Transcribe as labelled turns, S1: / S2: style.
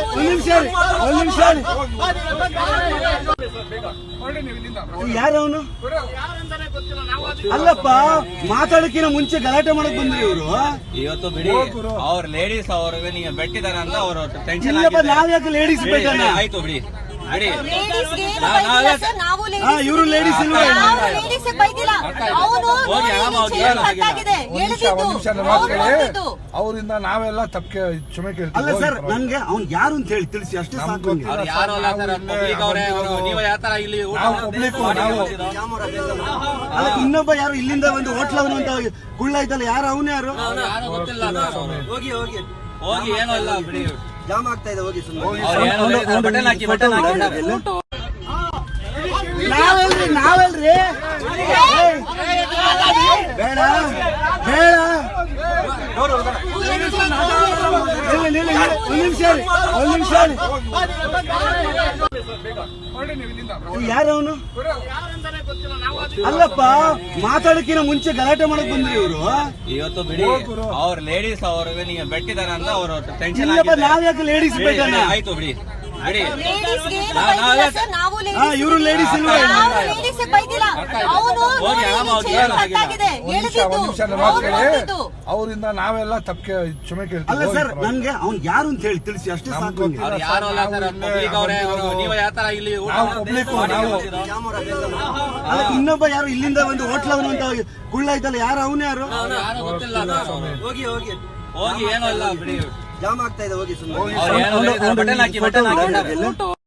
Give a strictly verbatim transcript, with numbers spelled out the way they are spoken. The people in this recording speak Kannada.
S1: ನಿಮಿಷ ಒಂದ್ ನಿಮಿಷ ಯಾರು ಅವನು? ಅಲ್ಲಪ್ಪ, ಮಾತಾಡಕ್ಕಿನ ಮುಂಚೆ ಗಲಾಟೆ ಮಾಡಕ್ ಬಂದ್ರಿ ಇವರು.
S2: ಇವತ್ತು ಬಿಡಿ, ಅವ್ರ ಲೇಡೀಸ್ ಅವ್ರಿಗೆ ನೀವು ಬೆಟ್ಟಿದಾರ ಅಂತ ಅವರು ಟೆನ್ಷನ್.
S1: ಇಲ್ಲಪ್ಪ, ನಾವ್ ಯಾಕೆ ಲೇಡೀಸ್ ಬೇಕಣ್ಣ?
S2: ಆಯ್ತು ಬಿಡಿ ಬಿಡಿ,
S1: ಇವರು ಲೇಡೀಸ್ ಇಲ್ವಾ?
S3: ಅವರಿಂದ ನಾವೆಲ್ಲ ತಪ್ಪೆ ಕ್ಷಮೆ ಕೇಳ್ತೀವಿ.
S1: ಅಲ್ಲ ಸರ್, ನನ್ಗೆ ಅವ್ನ್ ಯಾರು ಅಂತ ಹೇಳಿ ತಿಳಿಸಿ ಅಷ್ಟೇ ಸಾಕು.
S2: ಯಾರು ಅಲ್ಲ ಸರ್, ಪಬ್ಲಿಕ್ ಅವರೇ. ನೀವು ಯಾವ ತರ ಇಲ್ಲಿ
S1: ಅಲ್ಲ, ಇನ್ನೊಬ್ಬ ಯಾರು ಇಲ್ಲಿಂದ ಒಂದು ಹೋಟ್ಲವನು ಅಂತ ಕುಳ್ಳ ಇದ್ದಲ್ಲ, ಯಾರು ಅವನು? ಯಾರು
S2: ಗೊತ್ತಿಲ್ಲ.
S1: ಹೋಗಿ ಹೋಗಿ
S2: ಹೋಗಿ ಏನೋ ಇಲ್ಲ ಬಿಡಿ,
S1: ಜಾಮ್ ಆಗ್ತಾ ಇದೆ. ಹೋಗಿ
S2: ಬಟನ್ ಹಾಕಿ ಬಟನ್ ಹಾಕಿ.
S1: ನಾವಲ್ರಿ ನಾವಲ್ರಿ ಬೇಡ ಬೇಡ. ಒಂದ್ ನಿಮಿಷ ಒಂದ್ ನಿಮಿಷ ಯಾರು ಅವನು? ಅಲ್ಲಪ್ಪ, ಮಾತಾಡಕ್ಕಿನ ಮುಂಚೆ ಗಲಾಟೆ ಮಾಡಕ್ ಬಂದ್ರಿ ಇವರು.
S2: ಇವತ್ತು ಬಿಡಿ, ಅವ್ರ ಲೇಡೀಸ್ ಅವ್ರಿಗೆ ನೀವು ಬೆಟ್ಟಿದಾರ ಅಂತ ಅವರು ಟೆನ್ಷನ್.
S1: ಇಲ್ಲಪ್ಪ, ನಾವ್ ಯಾಕೆ ಲೇಡೀಸ್ ಬೇಕಣ್ಣ?
S2: ಆಯ್ತು ಬಿಡಿ ಬಿಡಿ,
S1: ಇವರು ಲೇಡೀಸ್ ಇಲ್ವಾ?
S3: ಅವರಿಂದ ನಾವೆಲ್ಲ ತಪ್ಪೆ ಕ್ಷಮೆ ಕೇಳ್ತೀವಿ.
S1: ಅಲ್ಲ ಸರ್, ನನ್ಗೆ ಅವ್ನ್ ಯಾರು ಅಂತ ಹೇಳಿ ತಿಳಿಸಿ ಅಷ್ಟೇ ಸಾಕು.
S2: ಯಾರು ಅಲ್ಲ ಸರ್, ಪಬ್ಲಿಕ್ ಅವರೇ. ನೀವು ಯಾವ ತರ ಇಲ್ಲಿ
S1: ಅಲ್ಲ, ಇನ್ನೊಬ್ಬ ಯಾರು ಇಲ್ಲಿಂದ ಒಂದು ಹೋಟ್ಲವನು ಅಂತ ಕುಳ್ಳ ಇದ್ದಲ್ಲ, ಯಾರು ಅವನು? ಯಾರು
S2: ಗೊತ್ತಿಲ್ಲ.
S1: ಹೋಗಿ ಹೋಗಿ
S2: ಹೋಗಿ ಏನೋ ಇಲ್ಲ ಬಿಡಿ,
S1: ಜಾಮ್ ಆಗ್ತಾ ಇದೆ. ಹೋಗಿ
S2: ಬಟನ್ ಹಾಕಿ ಬಟನ್ ಹಾಕಿ.